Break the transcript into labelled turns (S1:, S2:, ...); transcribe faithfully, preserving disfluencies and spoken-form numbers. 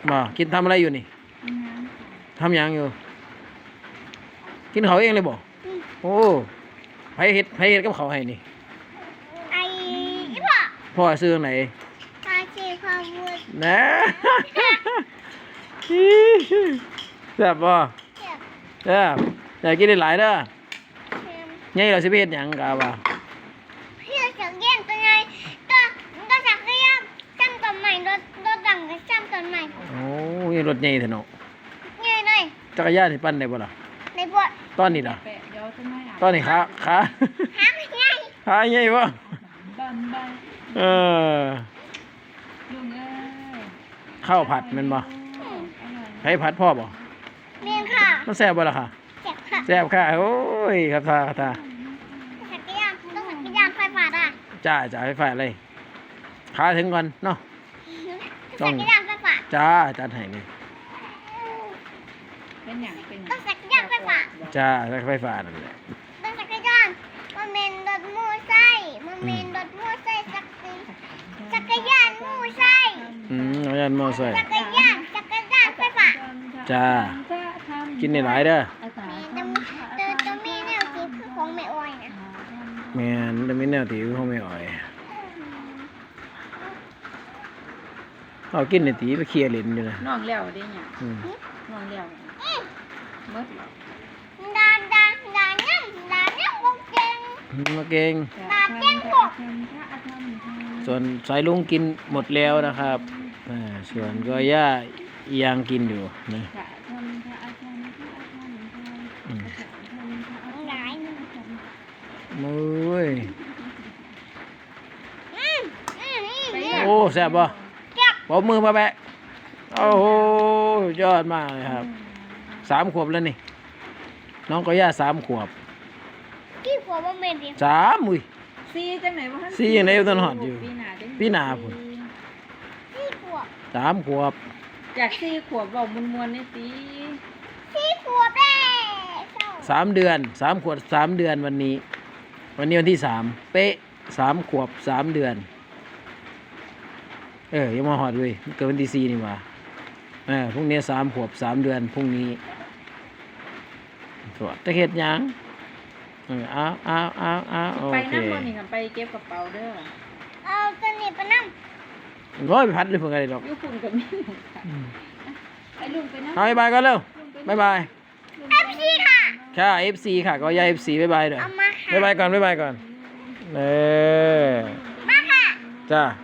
S1: บ่กินทำอะไรอยู่นี่ทำยังอยู่กินเขาเองเลยบ่โอ้ไผเฮ็ดไผเฮ็ดกับเขาให้นี่
S2: ไอ้พ่อ
S1: พ่อซื้อไหน
S2: ปลาเชฟพาวุฒ
S1: นะแซ่บบ่แซ่บอยากกินได้หลายเด้อไงเราสิไปเฮ็ดหยังกะว่า
S2: พี่จะเยี่ยมตัวไงตัวตัวสักเยี่ยมซ้ำต้นใหม่รถรถดังกับซ้ำต้นใหม่
S1: โอ้ยรถใหญ่แท้เนาะ
S2: ใหญ่เลย
S1: จักรยานนี่ปั่นได้บ่ล่ะ
S2: ในบท
S1: ตอนนี้ล่ะตอนนี้ขาขา
S2: หาไม่ง่าย
S1: ขาใหญ่บ่เออข้าวผัดแม่นบ่ไผผัดพ่อบ่
S2: เมียนค่ะ
S1: มันแซ่บบ่ล่ะค่ะ
S2: แซ่บค่ะ
S1: แซ่บค่ะโอ้ยครับท่าครับท่า
S2: สักเยี่ยมต้องสักเยี่ยมไฟฟ้าอ่ะ
S1: จ้าจ้าไฟฟ้าเลยขาถึงก่อนเนาะ
S2: สักเยี่ยมไฟฟ้า
S1: จ้าจัดให้เลย
S3: เป็นอย่างเป็น
S2: ต้องสักเยี่ยมไฟฟ้า
S1: จ้าไฟฟ้านั่นแหละ
S2: ต้องสักเยี่ยมมันเป็นรถมูไส้มันเป็นรถมูไส้สักจักรยานมูไส้
S1: อืมจักรยานมอไซค์
S2: จักรยานจักรยานไฟฟ้า
S1: จ้ากินในหลายเด้อ
S2: มีตัวตัวมีแนวสีคือของแม่อ้อยนะ
S1: แม่นแต่มีแนวที่ของแม่อ้อยเอากินในตีไปเคลียร์เล่นอยู่นะ
S3: น้องเลี้ยวได้เนี่ยน้องเลี้ยวมด
S2: ดาดาดาเนี่ยดาเนี่ยพวกเก่ง
S1: มาเก่ง
S2: ดาเก่งพวก
S1: ส่วนสายลุงกินหมดแล้วนะครับส่วนก็ย่ายังกินอยู่นะมือโอ้แซ่บป่ะปอบมือมาแบะโอ้โหยอดมากเลยครับสามขวบแล้วนี่น้องก็ย่าสามขวบ
S2: กี่ขวบว่าเมนดิ
S1: สามอุ้ย
S3: สี่จังไหนวะ
S1: สี่ยังไงอยู่ต้นหอดอยู่พี่นาพุ่น
S2: สี่ขวบ
S1: สามขวบ
S3: จากสี่ขวบบอกมวนมวนนี่สิ
S2: สี่ขวบแล้
S1: สามเดือนสามขวบสามเดือนวันนี้วันนี้วันที่สามเป๊ะสามขวบสามเดือนเออยังมาหอดเลยเกิดวันที่สี่นี่ว่าเออพรุ่งนี้สามขวบสามเดือนพรุ่งนี้ตรวจจะเห็ดยังเออเอาเอาเอาเอาโอเค
S3: ไปนั่งบนนี่ค่ะไปเก็บกระเป๋าเด้อ
S2: เอาตัวนี้ไปนั่ง
S1: ร้อยไปพัดเลยเพื่อนกันเลยหรอก
S3: ยุคุณกับมี่ไอ้ลุงไปนั่ง
S1: เอาบายบายกันเร็วบายบาย
S2: เอฟซีค่ะ
S1: ค่ะ เอฟ ซี ค่ะก็ยาย เอฟ ซี บายบายเด้อบายบายก่อนบายบายก่อนเออ
S2: มาค่ะ
S1: จ้า